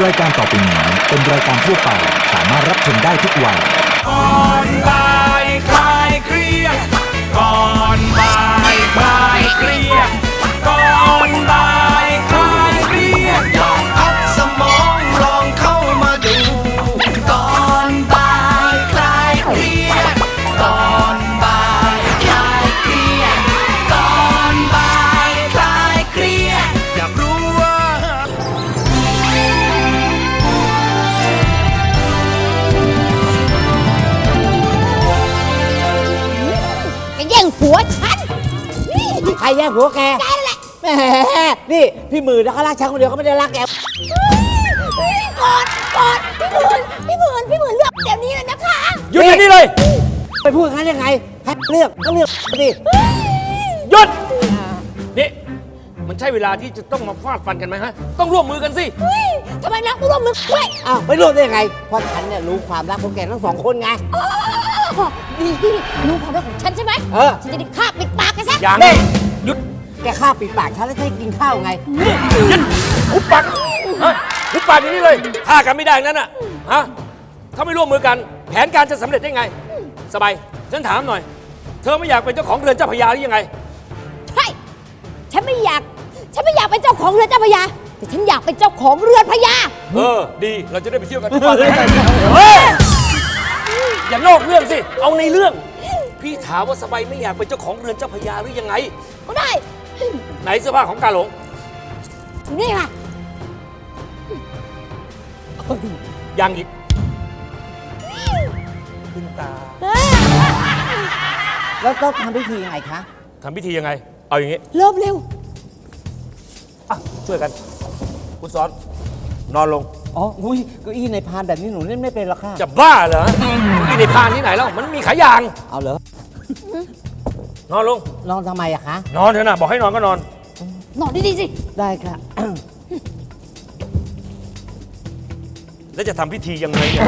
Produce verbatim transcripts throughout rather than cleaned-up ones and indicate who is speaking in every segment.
Speaker 1: รายการต่อไปนี้เป็นรายการทั่วไปสามารถรับชมได้ทุกวัย
Speaker 2: ก่อนบ่ายคลายเครียดก่อนบ่ายคลายเครียดก่อนบ่ายคลายเครียดลองพักสมองลองเข้ามาดูก่อนบ่ายคลายเครียดก่อนบ่ายคลายเครียดก่อนบ่ายคลายเครียดอยากรู้ว่า
Speaker 3: แย่งผัวฉัน
Speaker 4: ใครแย่งผัวแก
Speaker 3: แกนั่นแหละ
Speaker 4: แหมนี่พี่หมื่นนะเขารักฉันคนเดียวเขาไม่ได้รักแก
Speaker 3: กอดกอดพี่หมื่นพี่หมื่นพี่หมื่นเลือกเดี๋ยวนี้เลยนะคะ
Speaker 4: หยุดเดี๋ยวนี้เลยไปพูดงั้นยังไงให้เลือกก็เลือกสิ
Speaker 5: หยุด นี่ มันใช่เวลาที่จะต้องมาฟาดฟันกันไหมฮะ ต้องร่วมมือกันสิ
Speaker 3: เฮ้ยทำไมรักไม่ร่วมมือด้วย
Speaker 4: อ้าวไม่รู้ได้ยังไงเพราะฉันเนี่ยรู้ความรักของแกทั้งสองคนไง
Speaker 3: อ๋อดีรู้ความรักของฉันใช่ไหม
Speaker 4: เออ
Speaker 3: ฉันจะได้ฆ่าปิดปากแกซะ
Speaker 5: อย่าง
Speaker 4: นี่
Speaker 5: หยุด
Speaker 4: แกฆ่าปิดปากฉันแล้วจะให้กินข้าวไง
Speaker 5: หยุดหุบปากฮะหุบปากอย่างนี้เลยฆ่ากันไม่ได้นั่นน่ะ ฮะ ถ้าไม่ร่วมมือกัน แผนการจะสำเร็จได้ไง สบาย ฉันถามหน่อย เธอไม่อยากเป็นเจ้าของเรือนเจ้าพระยาหรือยังไง
Speaker 3: ใช่ฉันไม่อยาก ฉันไม่อยากเป็นเจ้าของเรือนเจ้าพระยา แต่ฉันอยากเป็นเจ้าของเรือนพระยา
Speaker 5: เออ ดี เราจะได้ไปเที่ยวกันทุกวันเลยเฮ้ย อย่านอกเรื่องสิ เอาในเรื่อง พี่ถามว่าสบายไม่อยากเป็นเจ้าของเรือนเจ้าพระยาหรือยังไง
Speaker 3: ก็ได้
Speaker 5: ไหนเสื้อผ้าของกาหลง
Speaker 3: นี่ค่ะ
Speaker 5: ยังอีก ขึ้นตา
Speaker 4: แล้วต้องทำพิธียังไงคะ
Speaker 5: ทำพิธียังไง เอาอย่างงี้
Speaker 3: เริ่มเร็ว
Speaker 5: อ่ะ ช่วยกัน คุณสอน นอนลง
Speaker 4: อ๋ออุ้ยเก้าอี้ในพานแบบนี้หนูเล่นไม่เป็นหรอกค่ะ
Speaker 5: จะบ้าเหรอที่ในพานที่ไหนแล้ว มันมีขายาง
Speaker 4: เอาเหรอน
Speaker 5: อนลง
Speaker 4: นอนทำไมอะคะ
Speaker 5: นอนเถอะนะบอกให้นอนก็นอน
Speaker 3: นอนดีๆสิ
Speaker 4: ได้ค่ะ
Speaker 5: แล้วจะทำพิธียังไงเนี่ย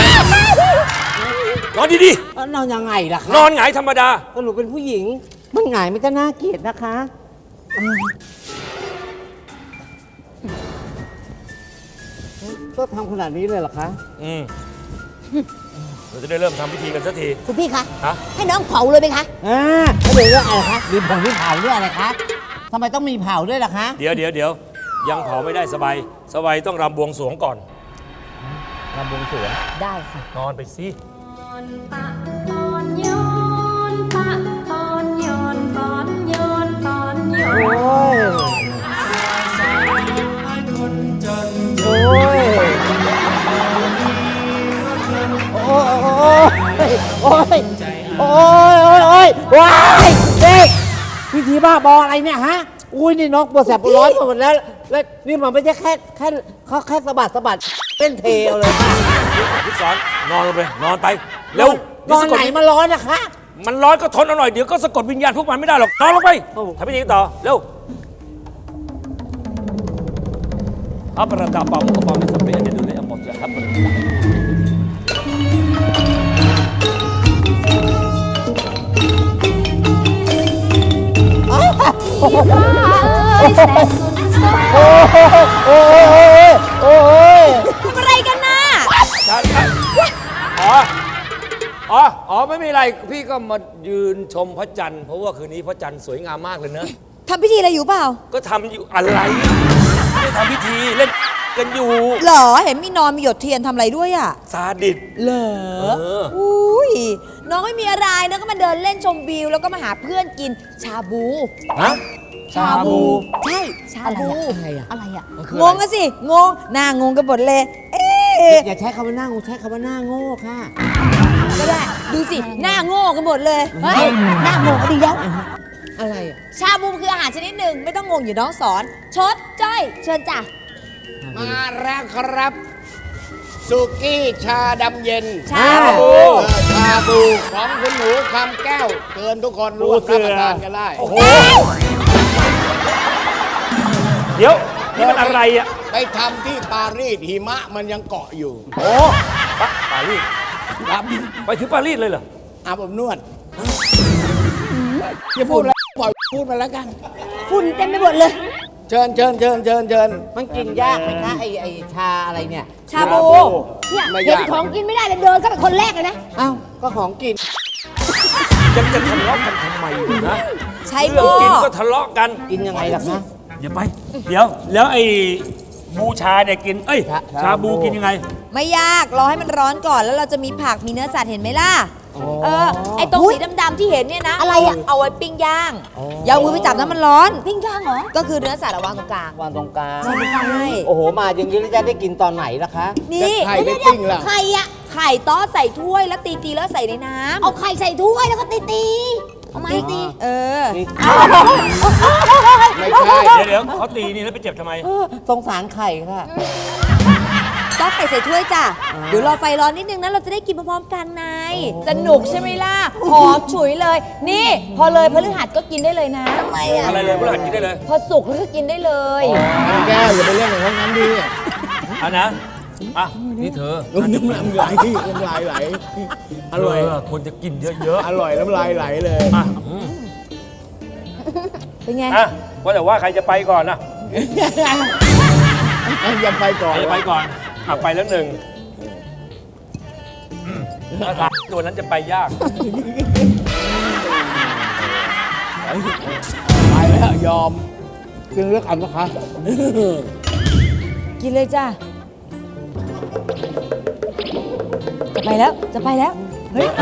Speaker 5: นอนดี
Speaker 4: แล้วนอนยังไงล่ะคะ
Speaker 5: ๆ นอนหงายธรรมดา
Speaker 4: ก็หนูเป็นผู้หญิง มันหงายมันก็น่าเกลียดนะคะอืมก็ทำขนาดนี้เลยเหรอคะ
Speaker 5: อืมเราจะได้เริ่มทำพิธีกันสักที
Speaker 3: คุณพี่คะ
Speaker 5: ฮะ
Speaker 3: ให้น้องเผาเลยไหมคะ
Speaker 4: อ่าแล้วเดี๋ยวเรื่องอะไรคะมีผงมีเผาด้วยอะไรคะทำไมต้องมีเผาด้วยล่ะคะ
Speaker 5: เดี๋ยวเดี๋ยวเดี๋ยวยังเผาไม่ได้สบาย สบายต้องรำบวงสรวงก่อน
Speaker 4: รำบวงสรวง
Speaker 3: ได้ค่ะ
Speaker 5: นอนไปสิ
Speaker 6: ปะตอนย้อนปะตอนย้อนตอนย้อนตอนย้อ
Speaker 4: โอ้
Speaker 6: น
Speaker 4: ย โอ้ย โอ้ย โอ้ย โอ้ย โอ้ย โอ้ยว้ายเด็กพิธีบ้าบออะไรเนี่ยฮะ อุ้ยนี่น้องปวดแสบปวดร้อนหมดแล้ว แล้วนี่มันไม่ใช่แค่แค่เขาแค่สะบัดสะบัดเต้นเทวเลยค่ะ
Speaker 5: คุณสอนนอนลงไป นอนไป เร็วน
Speaker 4: อนไหนมาร้อนนะคะ
Speaker 5: มันร้อนก็ทนเอาหน่อย เดี๋ยวก็สะกดวิญญาณพวกมันไม่ได้หรอก นอนลงไป
Speaker 4: โอ้
Speaker 5: ทำพิธีกันต่อ เร็วอัปราตาปามุขปามิสัมเปอเดดูเลยอมดจะอัปรา
Speaker 6: ฟ้าเอ้ยแสนสุดโซ
Speaker 4: โอ้ยโอ้ยโอ้ย
Speaker 3: ทำอะไรกันน่ะ
Speaker 5: ฉันอ๋อ อ๋อ อ๋อ ไม่มีอะไร พี่ก็มายืนชมพระจันทร์ เพราะว่าคืนนี้พระจันทร์สวยงามมากเลยเนอะ
Speaker 3: ทำพิธีอะไรอยู่เปล่า
Speaker 5: ก็ทำอยู่อะไรไม่ได้ทำพิธีเล่นกันอยู่
Speaker 3: เหรอ เห็นมีนอนมีหยดเทียนทำอะไรด้วยอ่ะ
Speaker 5: ซาดิส
Speaker 3: เหรอ
Speaker 5: เออ
Speaker 3: อุ้ย น้องไม่มีอะไรนะก็มาเดินเล่นชมวิว แล้วก็มาหาเพื่อนกินชาบู
Speaker 5: ฮะ
Speaker 3: ใช่ ชาบู
Speaker 4: อะไรอะ
Speaker 3: อะไรอ่ะ
Speaker 5: มันคืออะไร
Speaker 3: งงกันสิ งง หน้างงกันหมดเลย เอ๊ะ
Speaker 4: อย่าใช้คำว่าหน้างูใช้คำว่าหน้าโง่ค่ะ
Speaker 3: ก็ได้ ดูสิ หน้าโง่กันหมดเลย เฮ้ย หน้าโง่ก็ดีแล้ว
Speaker 4: อะไรอะ
Speaker 3: ชาบูคืออาหารชนิดหนึ่งไม่ต้องงงอยู่น้องสอน ชดจ้อย เชิญจ้ะ
Speaker 7: มาแล้วครับสุกี้ชาดำเย็น
Speaker 3: ชาบู
Speaker 7: เออชาบูของคุณหนูคำแก้วเชิญทุกคนร่วมรับประทานกันได้
Speaker 5: โอ้โห เดี๋ยว นี่มันอะไรอ่ะ
Speaker 7: ไปทำที่ปารีสหิมะมันยังเกาะอยู่
Speaker 5: โอ้ปะปารีส
Speaker 7: ครับ
Speaker 5: ไปถึงปารีสเลยเหรอ
Speaker 7: อาบอบนวดอย่าพูดแล้วปล่อยพูดมาแล้วกัน
Speaker 3: ฝุ่นเต็มไปหมดเลย
Speaker 7: เชิญเชิญเชิญเชิญเชิญ
Speaker 4: มันกินยากไหมคะไอไอชาอะไรเนี่ย
Speaker 3: ชาบูเนี่ย
Speaker 7: ไม่
Speaker 3: เห็น
Speaker 7: ยาก
Speaker 3: ของกินไม่ได้เลยเดินเข้าไปคนแรกเลยนะ
Speaker 4: เอ้าก็ของกิน
Speaker 5: ยังจะทะเลาะกันทำไมอยู่นะ
Speaker 3: ใช้
Speaker 5: เรื่อง
Speaker 3: หม้อ
Speaker 5: กินก็ทะเลาะกัน
Speaker 4: กินยังไงล่ะคะ
Speaker 5: อย่าไป เดี๋ยว แล้วไอ้บูชาเนี่ยกิน เอ้ย
Speaker 4: ชา
Speaker 5: ชาบูกินยังไง
Speaker 3: ไม่ยากรอให้มันร้อนก่อนแล้วเราจะมีผักมีเนื้อสัตว์เห็นไหมล่ะเออไอตรงสีดำๆที่เห็นเนี่ยนะอะไรอะเอาไว้ปิ้งย่างอย่าเอามือไปจับน้ำมันร้อนปิ้งย่างเหรอก็คือเนื้อสัตว์อะวางตรงกลาง
Speaker 4: วางตรงกลาง
Speaker 3: ใช่
Speaker 4: โอ้โห มาอย่างนี้แล้วจะได้กินตอนไหนล่ะคะ
Speaker 3: นี่
Speaker 7: ไข่ไปปิ้งล่ะ
Speaker 3: ไข่อะไข่ต้อใส่ถ้วยแล้วตีตีๆแล้วใส่ในน้ำเอาไข่ใส่ถ้วยแล้วก็ตีตีเอาไม้ตีเออ
Speaker 7: ไม่ใช่
Speaker 5: เดี๋ยวเดี๋ยวเขาตีนี่แล้วไปเจ็บทำไม
Speaker 4: สงสารไข่ค่ะ
Speaker 3: ต้อไข่ใส่ถ้วยจ้ะเดี๋ยวรอไฟร้อนนิดนึงนะเราจะได้กินพร้อมๆกันนายสนุกใช่ไหมล่ะหอมฉุยเลย นี่พอเลยพฤหัสก็กินได้เลยนะทำไมอะ
Speaker 5: อะไรเลยพวกเรากินได้เลย
Speaker 3: พอสุกแล้วก็กินได้เลย
Speaker 7: แก้วอย่าไปเล่นกับพวกนั้นดิ
Speaker 5: อ่ะนะ อ่ะ นี่เธอ
Speaker 7: น้ำลายไหลน้ำลายไหลอร่อย
Speaker 5: เคนจะกินเยอะ
Speaker 7: อร่อยน้ำลายไหลเลย
Speaker 5: ๆอ่ะอืม
Speaker 3: เป็นไง
Speaker 5: อ่ะว่าแต่ว่าใครจะไปก่อนนะ
Speaker 7: อย่าไปก่อ
Speaker 5: ใคร
Speaker 7: น
Speaker 5: จะไปก่อน อ่ะไปแล้วหนึ่งถ้าถามตัวนั้นจะไปยาก
Speaker 7: ไปแล้วยอมกินเลือกอันนะคะ
Speaker 3: กินเลยจ้ะจะไปแล้วจะไปแล้วเฮ้ยไป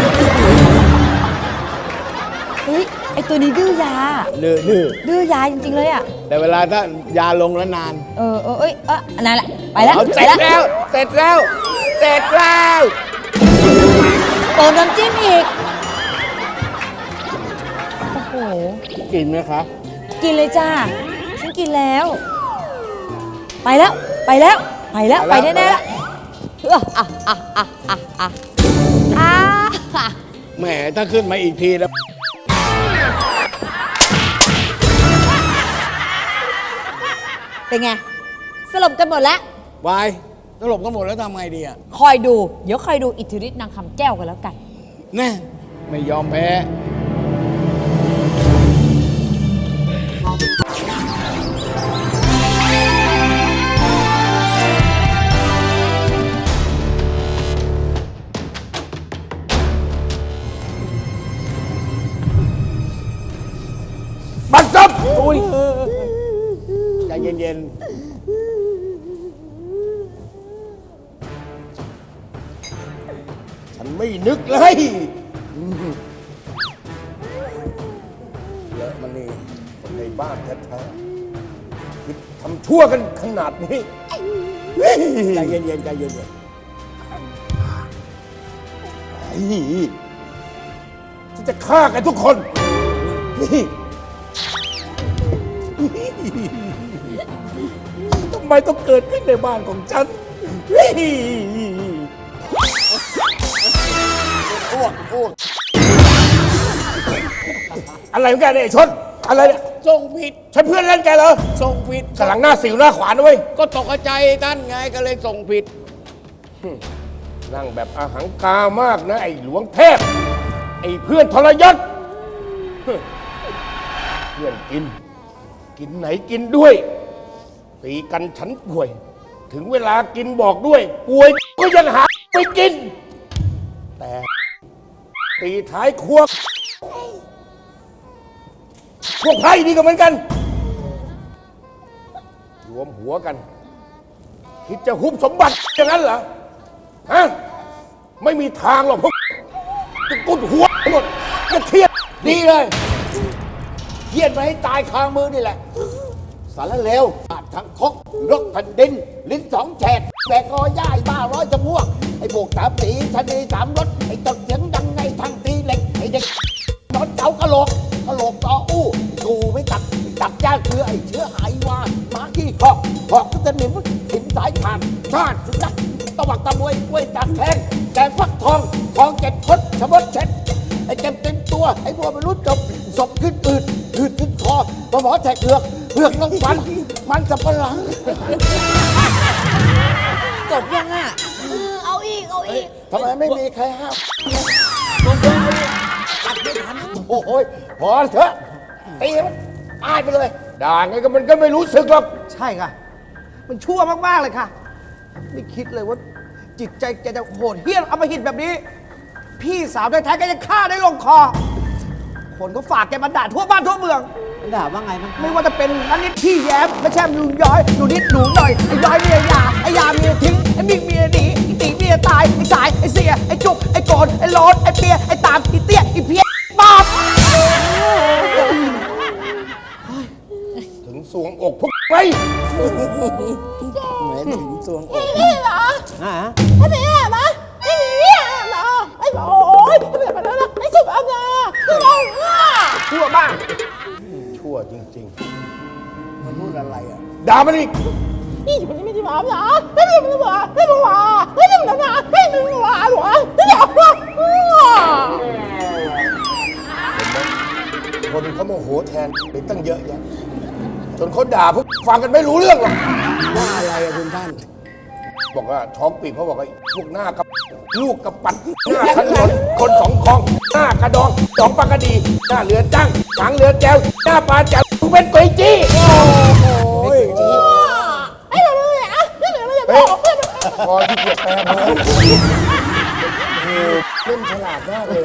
Speaker 3: เฮ้ยไอตัวนี้ดื้อยา
Speaker 7: ดื้อดื้อ
Speaker 3: ดื้อยาจริงๆเลยอ่ะ
Speaker 7: แต่เวลาถ้ายาลงแล้วนาน
Speaker 3: เออเออเอ้ยเอออันนั้นแหละไปแล้ว
Speaker 7: เอา
Speaker 3: ไป
Speaker 7: เสร็จ
Speaker 3: แล้ว
Speaker 7: แล้ว เสร็จแล้ว เสร็จแล้ว
Speaker 3: เติมน้ำจิ้มอีกโอ้โห
Speaker 7: กินไหมคะ
Speaker 3: กินเลยจ้าฉันกินแล้ว ไปแล้ว ไปแล้ว ไปแล้ว ไปแน่ๆแล้วเอออ่ะอ่ะอ่ะอ่ะอ่ะอ่ะ
Speaker 7: แหมถ้าขึ้นมาอีกทีแล้ว
Speaker 3: เป็นไง สลบกันหมดแล้ว
Speaker 7: วายตลบกันหมดแล้วทำไงดีอ่ะ
Speaker 3: คอยดู เดี๋ยวคอยดูอิทธิฤทธิ์นางคำแก้วกันแล้วกัน
Speaker 7: แน่ไม่ยอมแพ้
Speaker 5: บัตรซับ
Speaker 7: อุ้ยใจเย็นๆ ฉันไม่นึกเลยเยอะมันนี่คนในบ้านแท้ๆคิดทำชั่วกันขนาดนี้ ใจเย็นๆใจเย็นๆไอ้ฉันจะฆ่ากันทุกคนนี่ ทำไมต้องเกิดขึ้นในบ้านของฉันอ้วกอ้วกอะไรของแกเนี่ยไอ้ชน อะไรเนี่ยส่งผิดใช่เพื่อนเล่นแกเหรอส่งผิดกำลังหน้าสิวหน้าขวานนะเว้ย ก็ตกใจท่านไงก็เลยส่งผิด นั่งแบบอาหังการมากนะ ไอ้หลวงเทพ ไอ้เพื่อนทรยศ เพื่อนกิน กินไหนกินด้วย ตีกันฉันป่วย ถึงเวลากินบอกด้วย ป่วยก็ยังหาไปกิน แต่ตีท้ายครัวพวกไพร่นี่ก็เหมือนกัน รวมหัวกัน คิดจะหุบสมบัติอย่างนั้นเหรอ ฮะ ไม่มีทางหรอกพวกจะกุดหัวหมดจะเครียดดีเลยเครียดมาให้ตายคามือนี่แหละ สารเลวบาดทั้งคกรกแผ่นดิน ลิ้นสองแฉกแบกกอย่ายบ้าร้อยจมูกไอ้พวกสามสีชนีสามรถไอ้ตดเสียงดังไงทางตีเหล็กไอ้เด็กนอนเจ้ากะโหลกกะโหลกต่ออู้ดูไม่ตัดตัดย่าเชื้อไอ้เชื้อหายวาหมาขี้คอกหอกก็จะหนิมหินสายขาดชาติสุนัขตะวักตะมวยกล้วยตักแทงแกงฟักทองทองเจ็ดพดชะมดเช็ดไอ้เต็มเต็มตัวไอ้บัวมันรุดจบศพขึ้นอืดอืดขึ้นคอมาหมอแทกเผือกเผือกน้องฟันมันสับปะหลัง
Speaker 3: จบยังอ่ะเอาอีก เอาอีก
Speaker 7: ทำไมไม่มีใครห้ามอัดไม่ทันโอ้ยพอเถอะตีมันตายไปเลยด่าไงก็มันก็ไม่รู้สึกหรอก
Speaker 4: ใช่ค่ะ มันชั่วมาก ๆ เลยค่ะ ไม่คิดเลยว่า จิตใจแกจะโหดเหี้ยมอำมหิตแบบนี้ พี่สาวแท้ๆแกจะฆ่าได้ลงคอ คนก็ฝากแกมาด่าทั่วบ้านทั่วเมือง
Speaker 8: ด่าว่าไงบ้าง
Speaker 4: ไม่ว่าจะเป็นนันนิดพี่แย้มไม่ใช่ลุงย้อยหนูนิดหนูหน่อย ไอ้ย้อยเมียยา ไอ้ยาเมียทิ้ง ไอ้มิกเมียหนี ไอ้ตีเมียตาย ไอ้สาย ไอ้เสีย ไอ้จุก ไอ้โกนไอ้โลดไอ้เปีย ไอ้ตาม ไอ้เตี้ย ไอ้เพี้ยบาป
Speaker 7: ถึงสวงอกพวกไป
Speaker 8: เหมือนถึงสวงอก
Speaker 4: นี่เหรอ
Speaker 8: ฮะ
Speaker 4: ไอ้เนี่ยเหรอไอ้เนี่ยเหรอไอ้โอ้ยไอ้แบบนั้นไอ้สุดอันน่ะชั่วมาก
Speaker 7: ชั่วจริง
Speaker 8: มันพูดอะไรอ่ะ
Speaker 7: ๆ ด่ามันอีก
Speaker 4: นี่มันไม่ได้มาหรอไม่ได้มาไม่ได้มาไม่ได้มาไม่ได้มาหรอไม่ได้มา
Speaker 7: คนเขาโมโหแทนไปตั้งเยอะแยะจนเขาด่าพวกฟังกันไม่รู้เรื่องหรอก
Speaker 8: ว่าอะไรอ่ะคุณท่าน
Speaker 7: บอกว่าท้องปีกเขาบอกว่าพวกหน้ากับลูกกับปัดหน้าถนนคนสองคลอง หน้ากระดองสองปากกระดี หน้าเรือจ้างหางเรือแจวหน้าปลาแจวมึงเป็นก๋วยจี้
Speaker 8: โอ้ย
Speaker 4: ไอ้แบบนี้อ่ะไม่แบบนี้
Speaker 7: เฮ้ยพอที่เกียจแปลพอโอ้โหเล่นฉลาดมากเลย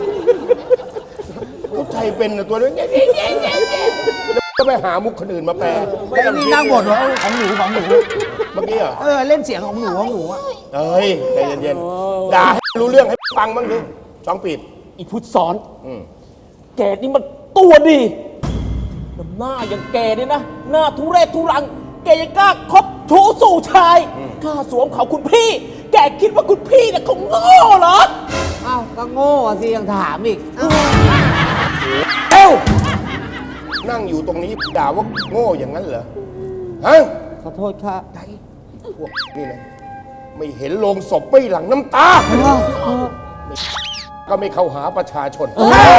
Speaker 7: เขาใจเป็นนะตัวนี้เนี่ยแล้วก็ไปหามุกคนอื่นมาแปล
Speaker 4: ไอ้นี่นั่งบ่นว่าของหนูของหนู
Speaker 7: เมื่อกี้เหรอ
Speaker 4: เออเล่นเสียงของหนูของหนูอ่ะ
Speaker 7: เอ้ยใจเย็นๆด่าให้รู้เรื่องให้ฟังบ้างดิสองปีด
Speaker 5: อีพุทธสอน
Speaker 7: อืม
Speaker 5: แกนี่มันตัวดีน้ำหน้าอย่างแกเนี่ยนะ หน้าทุเรศทุรัง แกยังกล้าคบชู้สู่ชาย กล้าสวมเขาคุณพี่ แกคิดว่าคุณพี่เนี่ยเขาโง่เหรอ
Speaker 8: อ้าวก็โง่อ่ะสิยังถามอีก
Speaker 7: เอ้านั่งอยู่ตรงนี้ด่าว่าโง่อย่างนั้นเหรอ ฮะ
Speaker 8: ขอโทษค่ะ
Speaker 7: พวกนี่นะไม่เห็นโลงศพไม่หลั่งน้ำตา ก็ไม่เข้าหาประชาชน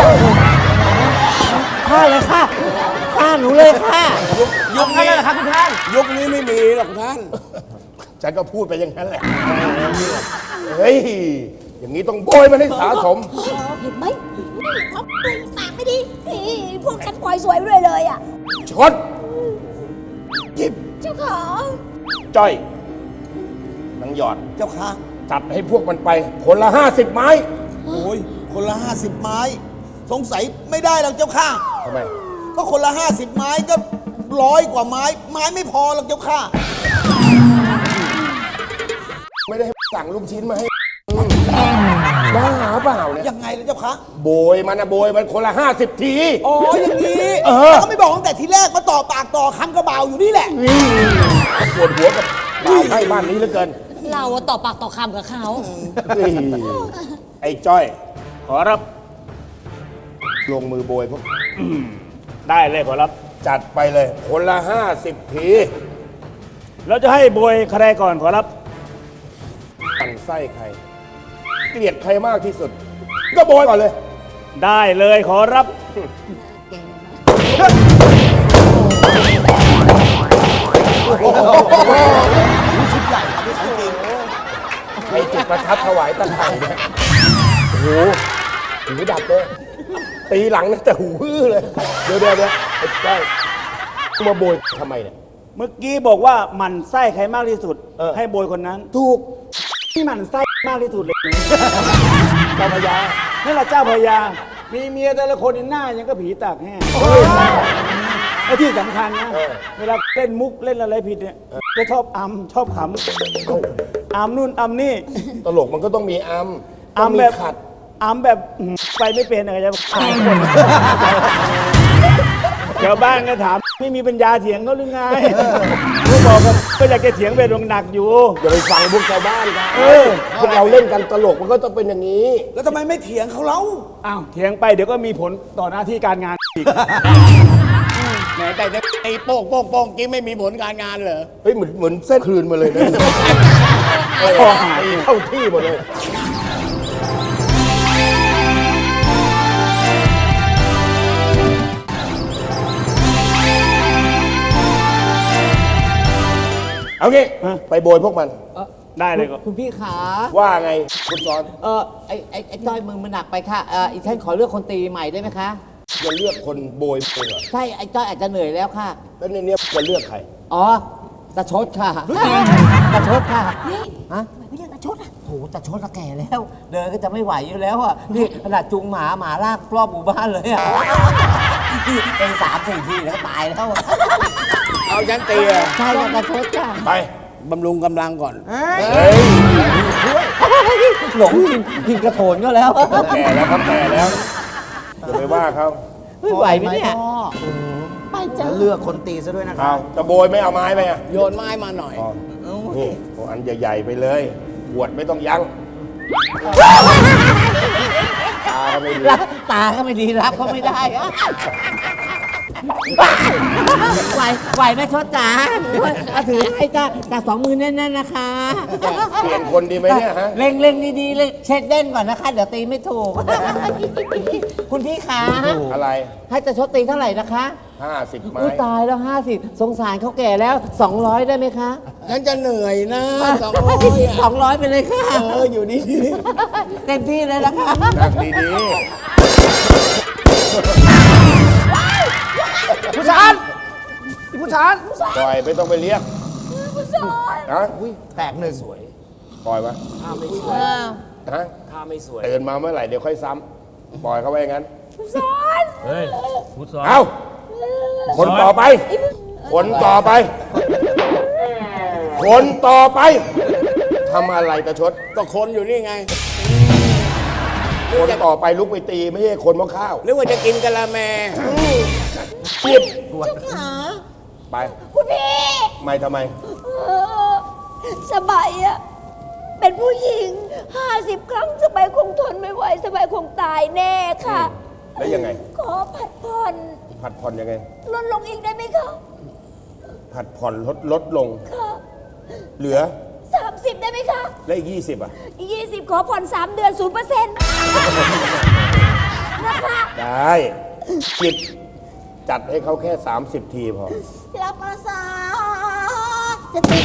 Speaker 8: ฆ่าเลยค่ะฆ่าหนูเลยค่ะ
Speaker 4: ยุคนี้นะครับคุณท่าน
Speaker 8: ยุคนี้ไม่มีหรอกท่าน
Speaker 7: ฉันก็พูดไปอย่างนั้นแหละ เฮ้ย อย่างนี้ต้องโบยมันให้สะสม
Speaker 3: เห็นไหมพอปากปากไม่ดีนี่พวกฉันปล่อยสวยเลยเลยอ่ะ
Speaker 7: ชดหยิบ
Speaker 3: เจ้าของ
Speaker 7: จ้อยนางหยอด
Speaker 8: เจ้าค่ะ
Speaker 7: จัดให้พวกมันไป คนละห้าสิบไม้
Speaker 8: โอ้ย คนละห้าสิบไม้ สงสัยไม่ได้หรอกเจ้าค่ะ
Speaker 7: ทำไม
Speaker 8: ก็คนละห้าสิบไม้ก็ร้อยกว่าไม้ ไม้ไม่พอหรอกเจ้าค่ะ
Speaker 7: ไม่ได้ให้สั่งลูกชิ้นมาให้บ้าเปล่าเนี่ย
Speaker 8: ยังไงล่ะเจ้าค่ะ
Speaker 7: โบยมันนะโบยมันคนละห้าสิบที
Speaker 8: อ๋อ อย่างนี้
Speaker 7: เออ
Speaker 8: แล้วก็ไม่บอกตั้งแต่ทีแรกมาต่อปากต่อคำกระเบาอยู่นี่แหละ
Speaker 7: ปวดหัวกับบ่าวให้บ้านนี้เหลือเกิน
Speaker 3: เราอะต่อปากต่อคำกับเขา
Speaker 7: เฮ้ยไอ้จ้อย ขอรับ ลงมือโบยพวก
Speaker 5: ได้เลยขอรับ
Speaker 7: จัดไปเลย คนละห้าสิบที
Speaker 5: แล้วจะให้บวยใครก่อนขอรับ
Speaker 7: ปั่นไส้ใคร เกลียดใครมากที่สุด ก็โบยก่อนเลย
Speaker 5: ได้เลยขอรับ
Speaker 7: ใครจุดประทัดถวายตะไคร่เนี่ยโอ้โหหูดับเลย ตีหลังนะแต่หูอื้อเลย เดี๋ยวเดี๋ยวเดี๋ยวไอ้จ้อยมาโบยทำไมเนี่ย
Speaker 9: เมื่อกี้บอกว่าหมันไส้ใครมากที่สุด
Speaker 7: เออ
Speaker 9: ให้โบยคนนั้น
Speaker 7: ถูก
Speaker 9: ที่หมันไส้มากที่สุดเลย
Speaker 7: เจ้าพญา
Speaker 9: นั่นแหละเจ้าพญามีเมียแต่ละคนหน้ายังก็ผีตากแห้งและที่สำคัญนะ เวลาเล่นมุกเล่นอะไรผิดเนี่ยจะชอบอัมชอบขำอัมนู่นอัมนี่
Speaker 7: ตลกมันก็ต้องมีอัมต้
Speaker 9: อั
Speaker 7: อง
Speaker 9: ม
Speaker 7: มี
Speaker 9: แบบ
Speaker 7: ขัด
Speaker 9: อัมแบบอืมไปไม่เป็นอะไรจะขายคนชาวบ้านก็ถามไม่มีปัญญาเถียงเขาหรือไงก็บอกว่าก็อยากจะเถียงเป็นวงหนักอยู่
Speaker 7: อย่าไปฟังพวกชาวบ้านกัน
Speaker 9: เออ
Speaker 7: พวกเราเล่นกันตลกมันก็ต้องเป็นอย่างนี้
Speaker 8: แล้วทำไมไม่เถียงเขาเล่า
Speaker 9: อ้าวเถียงไปเดี๋ยวก็มีผลต่อหน้าที่การงานอีก
Speaker 8: แหมแต่ไอ้โป้งโป้งโป้งกี้ไม่มีผลการงานเหรอ
Speaker 7: เฮ้ยเหมือนเหมือนเส้นคลืนมาเลยนะเออตีเข้าที่หมดเลย เอางี้
Speaker 9: ฮะ
Speaker 7: ไปโบยพวกมัน
Speaker 9: ได้เลยก็
Speaker 8: คุณพี่ขา
Speaker 7: ว่าไงคุณสอน
Speaker 8: เออไอ้ไอ้ไอ้จ้อยมือมันหนักไปค่ะ เอออีฉันขอเลือกคนตีใหม่ได้ไหมคะ
Speaker 7: จะเลือกคนโบยเองเหรอ
Speaker 4: ใช่ไอ้จ้อยอาจจะเหนื่อยแล้วค่ะ
Speaker 7: แล้วในเนี้ยจะเลือกใคร
Speaker 4: อ๋อตาชดค่ะตาชดค่ะฮะ
Speaker 3: ไม่เรียกตาชดอ่ะ
Speaker 4: โหตาชดก็แก่แล้ว เดินก็จะไม่ไหวอยู่แล้วอ่ะนี่ขนาดจุงหมาหมาลากรอบหมู่บ้านเลยอ่ะนี่เป็นสามสี่ทีแล้วก็ตายแล้วอะ
Speaker 8: เอาฉันตีอะ
Speaker 4: ใช่ค่ะตาชดค่ะ
Speaker 7: ไป
Speaker 8: บำรุงกำลังก่อน
Speaker 7: เฮ้ย
Speaker 4: หลงกินกินกระโถนก็แล้ว
Speaker 7: เขาแก่แล้วเขาแก่แล้วอย่าไปว่าเขา
Speaker 4: ไม่ไหวไหมเนี่ย
Speaker 9: แล้วเลือกคนตีซะด้วยนะครั
Speaker 7: เอา
Speaker 9: บ
Speaker 7: จะโบยไม่เอาไม้ไปอ่ะ
Speaker 8: โยนไม้มาหน่อย
Speaker 7: อ๋อนี่เอาอันใหญ่ๆไปเลยบวดไม่ต้องยั้งตาก็ไม่ดี
Speaker 4: รับตาก็ไม่ดีรับก็ไม่ได้อะไหวไหวไหมชดจ๋าเอาถือให้จ้าจากสองมือแน่นๆนะคะ
Speaker 7: เปลี่ยนคนดีไหมเนี่ยฮะ
Speaker 4: เล็งเล็งดีๆเลยเช็คเด้นก่อนนะคะ เดี๋ยวตีไม่ถูก คุณพี่คะ
Speaker 7: อะไร
Speaker 4: ให้จะชดตีเท่าไหร่นะคะ
Speaker 7: ห้าสิบไม้
Speaker 4: อุ้ยตายแล้วห้าสิบสงสารเขาแก่แล้วสองร้อยได้ไหมคะ
Speaker 8: ฉันจะเหนื่อยนะสองร้อยอะ
Speaker 4: สองร้อยไปเลยค่ะ
Speaker 8: เอออยู่นี่
Speaker 4: เต็มที่เลยนะคะ
Speaker 7: นั่งดี
Speaker 9: ผู้ชานผู้ชาน
Speaker 7: ๆปล่อยไม่ต้องไปเรียกฮะ
Speaker 9: แตกหนึ่ง
Speaker 7: ปล่อยปะ
Speaker 5: ถ้าไม่สวย
Speaker 7: ฮะ
Speaker 5: ถ้าไม่สวย
Speaker 7: ตื่นมาเมื่อไหร่เดี๋ยวค่อยซ้ำปล่อยเขาไว้อย่างนั้น
Speaker 5: เฮ้ยพุทธสอน
Speaker 7: เอาคนต่อไป คนต่อไป คนต่อไปทำอะไรตะชด
Speaker 8: ก็คนอยู่นี่ไง
Speaker 7: คนต่อไปลุกไปตีไม่ใช่คนหม้อข้าว
Speaker 8: หรือว่าจะกินกะละแม
Speaker 7: ปิดไป
Speaker 3: คุณพี่
Speaker 7: ไม่ทำไม
Speaker 3: เออสบายอะเป็นผู้หญิงห้าสิบครั้งสบายคงทนไม่ไหวสบายคงตายแน่ค่ะ
Speaker 7: แล้วยังไง
Speaker 3: ขอผัดผ่อน
Speaker 7: ผัดผ่อนยังไง
Speaker 3: ลดลงอีกได้ไหมคะ
Speaker 7: ผัดผ่อนลดลดลง
Speaker 3: ค่ะ
Speaker 7: เหลือ
Speaker 3: สามสิบได้ไหมคะ
Speaker 7: แล้วอีกยี่สิบอ่ะ
Speaker 3: อีกยี่สิบขอผ่อนสามเดือนศูนย์เปอร์เซ็นต์นะคะ
Speaker 7: ได้จิบจัดให้เขาแค่ สามสิบ ทีพอ
Speaker 3: รับภาษาจะติด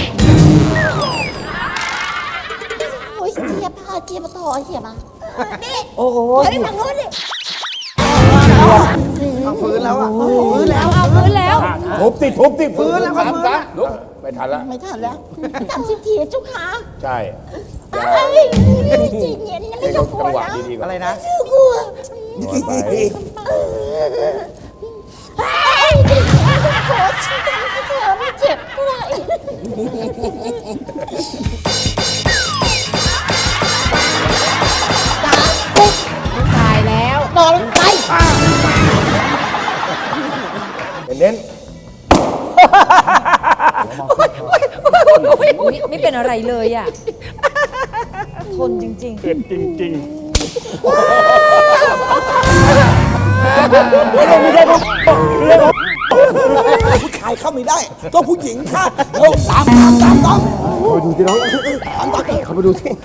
Speaker 3: โอ้ยเจี๊ยบพาเจี๊ยบมาต่อเจี๊ยบมานี่
Speaker 4: โอ้โห
Speaker 3: เฮ้ยทางโน้นดิ
Speaker 9: เอาฟื้นแล้วอ่ะฟื้นแล้ว
Speaker 3: เอาพื้นแล้ว
Speaker 7: ทุบติทุบติ
Speaker 9: ฟื้นแล้วครับฟื้นแล้ว
Speaker 7: ลุกไม่ทันละ
Speaker 3: ไม่ทันแล้วสามสิบทีเจ้าขา
Speaker 7: ใช่
Speaker 3: เอ้ยจีเย็นนะ
Speaker 7: ให้
Speaker 3: ไม่ต้
Speaker 7: เขา
Speaker 3: องกลัว
Speaker 7: จังหวะ
Speaker 3: นะ
Speaker 7: ดีๆก่อน
Speaker 9: อะไรนะ
Speaker 3: ชื่อกลัว
Speaker 7: นอนไป
Speaker 3: เฮ้ยไม่ต้องกลัวฉันทำให้เธอไม่เจ็บเท่าไหร่ตายแล้วนอนไป
Speaker 7: เน้น
Speaker 3: ไม่เป็นอะไรเลยอ่ะ ทนจริง
Speaker 9: เผ็ดจริง
Speaker 2: ผู้ชายเข้าไม่ได้ต้องผู้หญิงค่ะเร็วตามตามตามตาม
Speaker 7: ดูสิน้องเขามาดูสิ